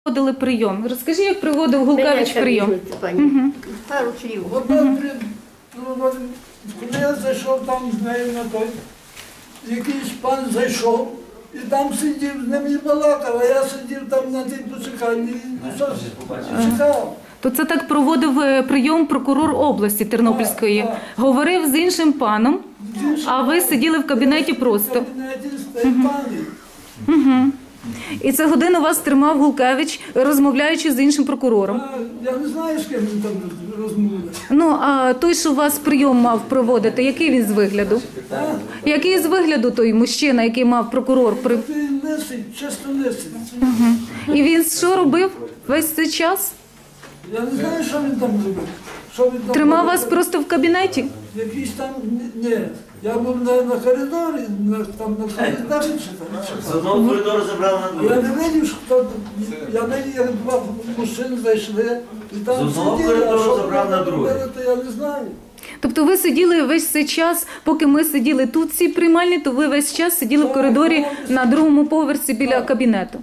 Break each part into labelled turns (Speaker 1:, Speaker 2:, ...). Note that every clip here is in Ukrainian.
Speaker 1: проводили прийом. Розкажи, як проводив Гулкевич прийом.
Speaker 2: Пару слів.
Speaker 3: Коли я зайшов там з нею на той, якийсь пан зайшов і там сидів, з ним і балакав, а я сидів там на тій почеканні і чекав.
Speaker 1: То це так проводив прийом прокурор області Тернопільської. Говорив з іншим паном, а ви сиділи в кабінеті просто.
Speaker 3: В кабінеті з тією пані.
Speaker 1: І це годину вас тримав Гулкевич, розмовляючи з іншим прокурором.
Speaker 3: Я не знаю, з ким він там розмовляє.
Speaker 1: Ну, а той, що вас прийом мав проводити, який він з вигляду? Який з вигляду той мужчина, який мав прокурор?
Speaker 3: Він лисий, чисто лисий.
Speaker 1: І він що робив весь цей час?
Speaker 3: Я не знаю, що він там робив. Що він там
Speaker 1: Тримав
Speaker 3: робив.
Speaker 1: вас просто в кабінеті?
Speaker 3: Якийсь там, ні. Я був на коридорі, там на коридорі читав.
Speaker 4: З одного коридору забрали на
Speaker 3: Я
Speaker 4: другий.
Speaker 3: не видів, що хто, я видів, як два мужчини зайшли, і там
Speaker 4: З одного
Speaker 3: сиділи,
Speaker 4: коридору
Speaker 3: а що
Speaker 4: забрав
Speaker 3: вони
Speaker 4: на другий.
Speaker 3: робили, то я не знаю.
Speaker 1: Тобто ви сиділи весь цей час, поки ми сиділи тут в цій приймальні, то ви весь час сиділи в коридорі на другому поверсі біля кабінету.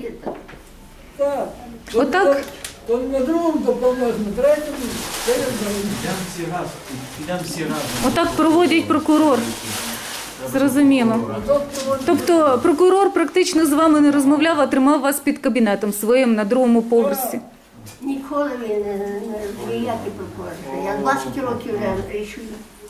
Speaker 3: Так.
Speaker 1: Отак?
Speaker 3: То на другому, то повнож на третьому, це я знаю.
Speaker 4: Підемо всі разом.
Speaker 1: Отак проводять прокурор. Зрозуміло. Тобто прокурор практично з вами не розмовляв, а тримав вас під кабінетом своїм на другому поверсі.
Speaker 2: Ніколи він ніякий прокурор. Я 20 років вже рішую.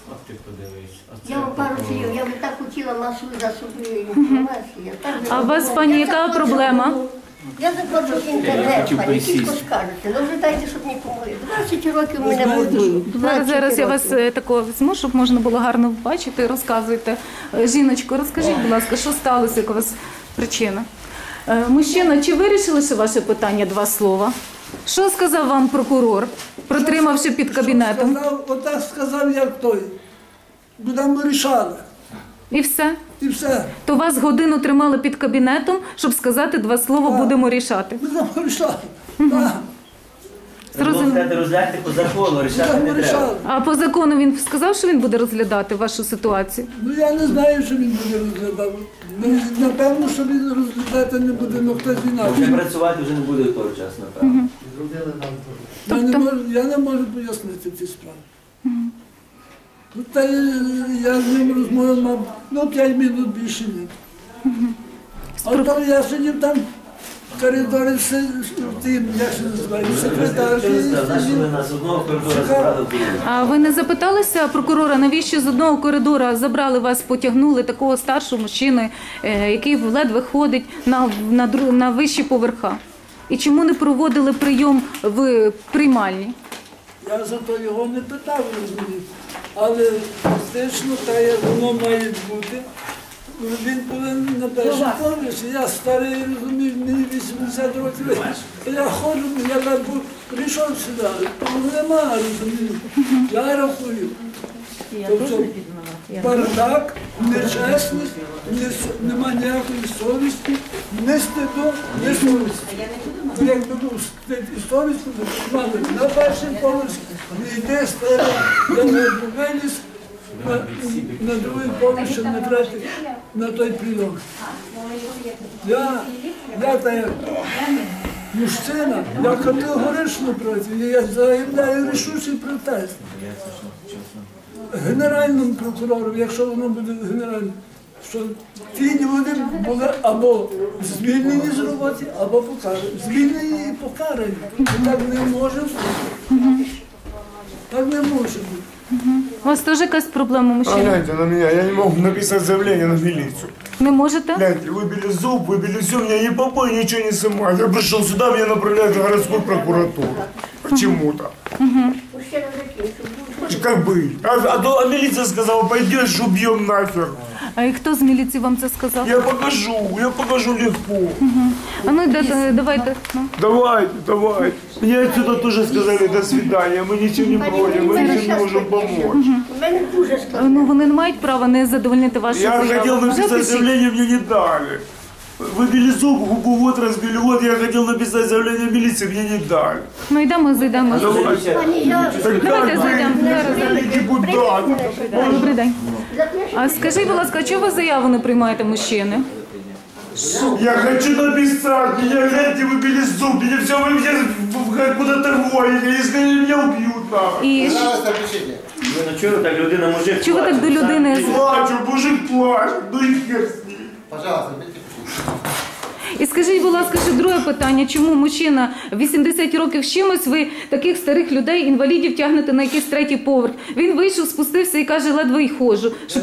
Speaker 2: Я вам пару слів, я би так хотіла масову засобну інформацію.
Speaker 1: А у вас, пані, яка проблема?
Speaker 2: Я заплачу в інтернет, пані, тільки скажете. Ну вже дайте, щоб мені помогли. 20 років мене будують.
Speaker 1: Зараз я вас такого візьму, щоб можна було гарно бачити. Розказуйте. Жіночко, розкажіть, будь ласка, що сталося, яка у вас причина? Мужчина, чи вирішилося ваше питання, два слова? Що сказав вам прокурор, протримавши під кабінетом?
Speaker 3: Отак сказав, як той. Будемо рішали.
Speaker 1: І все?
Speaker 3: І все.
Speaker 1: То вас годину тримали під кабінетом, щоб сказати два слова «будемо рішати».
Speaker 3: Будемо рішали. Так.
Speaker 4: Можете розглядати по закону, рішати
Speaker 3: Будемо
Speaker 4: не треба.
Speaker 3: рішали.
Speaker 1: А по закону він сказав, що він буде розглядати вашу ситуацію?
Speaker 3: Ну я не знаю, що він буде розглядати. Ну, напевно, що він розглядати не буде, але хтось
Speaker 4: Вже
Speaker 3: інакше.
Speaker 4: працювати вже не буде того часу, напевно.
Speaker 3: Я не можу пояснити ці справи. Ну, та я з ним розмовляв, мав 5 минут більше ні. А то я сидів там в коридорі, тим, як це називає, секретар.
Speaker 4: Нашли нас з одного коридору забрали в другий.
Speaker 1: А ви не запиталися прокурора, навіщо з одного коридора забрали вас, потягнули такого старшого мужчину, який ледве ходить на вищі поверха? І чому не проводили прийом в приймальні?
Speaker 3: Я зато його не питав, розумієте. Але фактично, та як воно має бути, він повинен на першому поверсі. Я старий, розумію, мені 80 років. Я ходжу, я прийшов сюди, тому нема, розумію. Я рахую. Тобто бардак, нечесність, нема ніякої совісті, не стиду, не совісті. Якби був стид і совість, то мали на перший поверх, не йде старий, я не виліз, на другий поверх, щоб не тратити на той прийом. Я так мужчина, я категорично проти, я заявляю рішучий протест. Генеральному прокурору, якщо воно буде генеральним, що ті люди були або звільнені з роботи, або покарані. Звільнені і покарані. І так не може бути. Так не може бути.
Speaker 1: У вас теж якась проблема, мужчина?
Speaker 5: Гляньте на меня, я не могу написать заявление на милицию.
Speaker 1: Не можете?
Speaker 5: Гляньте, выбили зуб, выбили все, меня ни попой, ничего не снимают. Я пришел сюда, меня направляют в городскую прокуратуру. Почему-то.
Speaker 2: Мужчина закінчив.
Speaker 5: Как быть? А милиция сказала, пойдешь, убьем нахер.
Speaker 1: А і хто з міліції вам це сказав?
Speaker 5: Я покажу легко.
Speaker 1: А ну давайте. Ну.
Speaker 5: Давайте. Мне отсюда тоже сказали до свидания, мы ничего не против, мы ничем не можем помочь.
Speaker 2: У мене дуже складно.
Speaker 1: Ну вони не мають права не задовольнити вашу
Speaker 5: Я
Speaker 1: заяву.
Speaker 5: хотел
Speaker 1: Вже
Speaker 5: написать
Speaker 1: пишіть.
Speaker 5: заявление, мне не дали. Выбили зуб, губу вот разбили, вот я хотел написать заявление в милиции, мне не дали.
Speaker 1: Ну йдемо, зайдемо.
Speaker 2: Пані, я...
Speaker 1: Давайте зайдемо. Зараз.
Speaker 5: Депутат.
Speaker 1: Добрий день. А скажіть, будь ласка, чого ви заяву не приймаєте мужчини?
Speaker 5: Я хочу написать, меня, гляньте, выбили зуб, меня все, вы мне куда-то воете, если они меня убьют, нахуй.
Speaker 1: І
Speaker 4: Ну, ну чого так людина, мужик?
Speaker 1: чого ви так до людини?
Speaker 5: Плачу, мужик плачет, ну и хер с ним.
Speaker 6: Пожалуйста,
Speaker 1: І скажіть, будь ласка, ще друге питання. Чому мужчина 80 років з чимось, ви таких старих людей, інвалідів, тягнете на якийсь третій поверх? Він вийшов, спустився і каже, ледве й ходжу. Що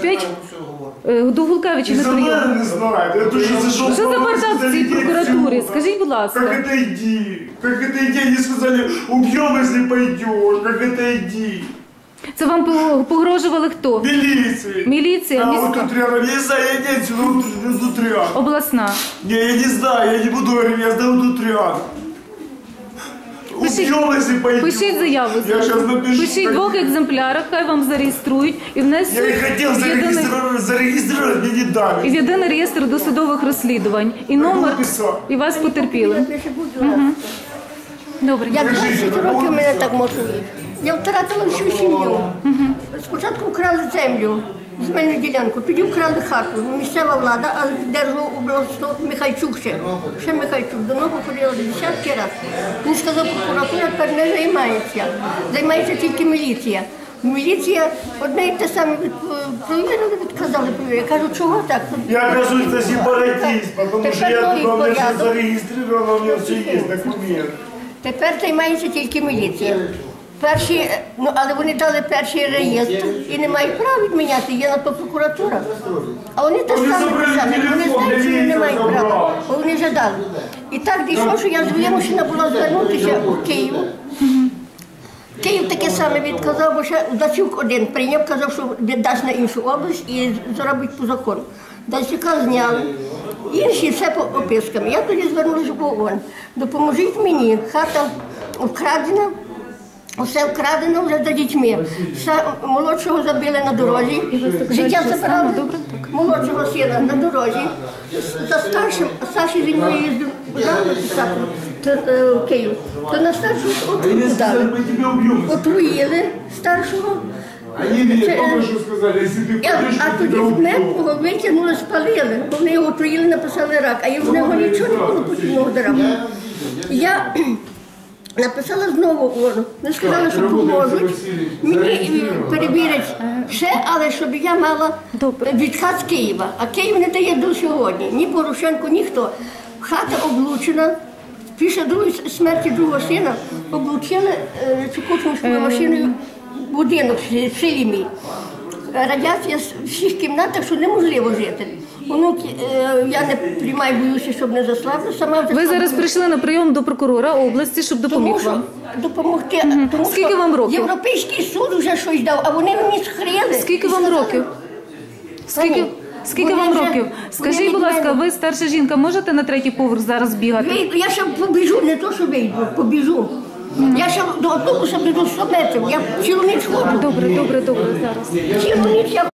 Speaker 1: до Гулкевича
Speaker 5: И
Speaker 1: не
Speaker 5: за мной
Speaker 1: прийом.
Speaker 5: не знает, я тоже зашел.
Speaker 1: Що за бардак в цій прокуратурі? Скажіть, будь
Speaker 5: Как
Speaker 1: ласка.
Speaker 5: это иди? Как это иди? Они сказали, убьем, если пойдешь. Как это иди?
Speaker 1: Це вам погрожували хто?
Speaker 5: Милиции.
Speaker 1: Міліція,
Speaker 5: А вот
Speaker 1: міська,
Speaker 5: тут рядом, я не знаю, я не отсюда, вот тут рядом.
Speaker 1: обласна.
Speaker 5: Не, я не знаю, я не буду говорить, я знаю, вот тут рядом.
Speaker 1: Пишіть-
Speaker 5: Убьем, если пойдешь.
Speaker 1: Пишіть заяву.
Speaker 5: Я сейчас напишу.
Speaker 1: Пишіть в двох екземплярах, хай вам зареєструють і внесуть
Speaker 5: Я и хотел зарегистрировать, мне не
Speaker 1: і
Speaker 5: дали.
Speaker 1: в єдиний реєстр досудових розслідувань. І номер,
Speaker 5: написав.
Speaker 1: і вас потерпіли.
Speaker 2: Напиши, будь ласка.
Speaker 1: Добре.
Speaker 2: Я 20 років мене так мотують. Я втратила всю сім'ю. Спочатку вкрали землю, земельну ділянку, тоді вкрали хату. Місцева влада, а держав обласно Михайчук ще Михайчук. До нього ходила десятки разів. Він сказав, прокуратура тепер не займається. Займається тільки міліція. Міліція одне і те саме провірили, відказали. Я кажу, чого так?
Speaker 5: Я, оказывается, сепаратист, потому что
Speaker 2: Тепер
Speaker 5: я
Speaker 2: новий
Speaker 5: туда все
Speaker 2: порядок.
Speaker 5: зарегистрировано, у меня все есть документы.
Speaker 2: Тепер займається тільки міліція. Перші, ну, але вони дали перший реєстр і не мають права відміняти, є на то прокуратура. А вони те
Speaker 5: Вони
Speaker 2: саме
Speaker 5: забрали
Speaker 2: писали, вони
Speaker 5: телефон,
Speaker 2: знають, що вони не мають
Speaker 5: міліція
Speaker 2: права,
Speaker 5: забрала.
Speaker 2: бо вони вже дали. І так дійшло, що я вимушена була звернутися у Київ. Київ таке саме відказав, бо ще Дацюк один прийняв, казав, що віддасть на іншу область і зробить по закону. Дацюка зняли, інші все по опискам. Я тоді звернулася в ООН. Допоможіть мені, хата вкрадена, усе вкрадено вже за дітьми. Молодшого забили на дорозі, життя забрали, молодшого сина на дорозі. За старшим, Саші зі мною їздив писати в Київ, то на старшого отруту дали.
Speaker 5: Мы тебя убьем.
Speaker 2: Отруїли старшого.
Speaker 5: Они мне только что сказали, если ты пойдешь,
Speaker 2: А
Speaker 5: мы
Speaker 2: тоді
Speaker 5: тебя убьем.
Speaker 2: мертвого витягнули, спалили. Вони його отруїли, написали рак, а в нього нічого не було подібного до раку. Я написала знову ООН. Вони сказали, що поможуть. Мені перевірять ще, але щоб я мала відказ з Києва. А Київ не дає до сьогодні. Ні Порошенко, ніхто. Хата облучена. Після смерті другого сина облучили цукушинською машиною будинок в селі мій. Радіація в всіх кімнатах, що неможливо жити. Онуки, я не приймаю, боюся, щоб не заслабли. Сама вже
Speaker 1: Ви зараз прийшли на прийом до прокурора області, щоб
Speaker 2: тому
Speaker 1: допоміг
Speaker 2: що
Speaker 1: вам.
Speaker 2: допомогти. Тому
Speaker 1: Скільки
Speaker 2: що
Speaker 1: вам років?
Speaker 2: Європейський суд вже щось дав, а вони мені схрили.
Speaker 1: Скільки
Speaker 2: І
Speaker 1: вам
Speaker 2: сказали,
Speaker 1: років? Скільки
Speaker 2: Вони
Speaker 1: вам
Speaker 2: вже-
Speaker 1: років?
Speaker 2: вони
Speaker 1: Скажіть,
Speaker 2: від
Speaker 1: будь ласка,
Speaker 2: мене-
Speaker 1: ви старша жінка, можете на третій поверх зараз бігати?
Speaker 2: Вийду, я ще побіжу, не то, що вийду, побіжу. Я ще до автобуса біжу 100 метрів, я цілу ніч ходжу.
Speaker 1: Добре, зараз.
Speaker 2: Цілу ніч я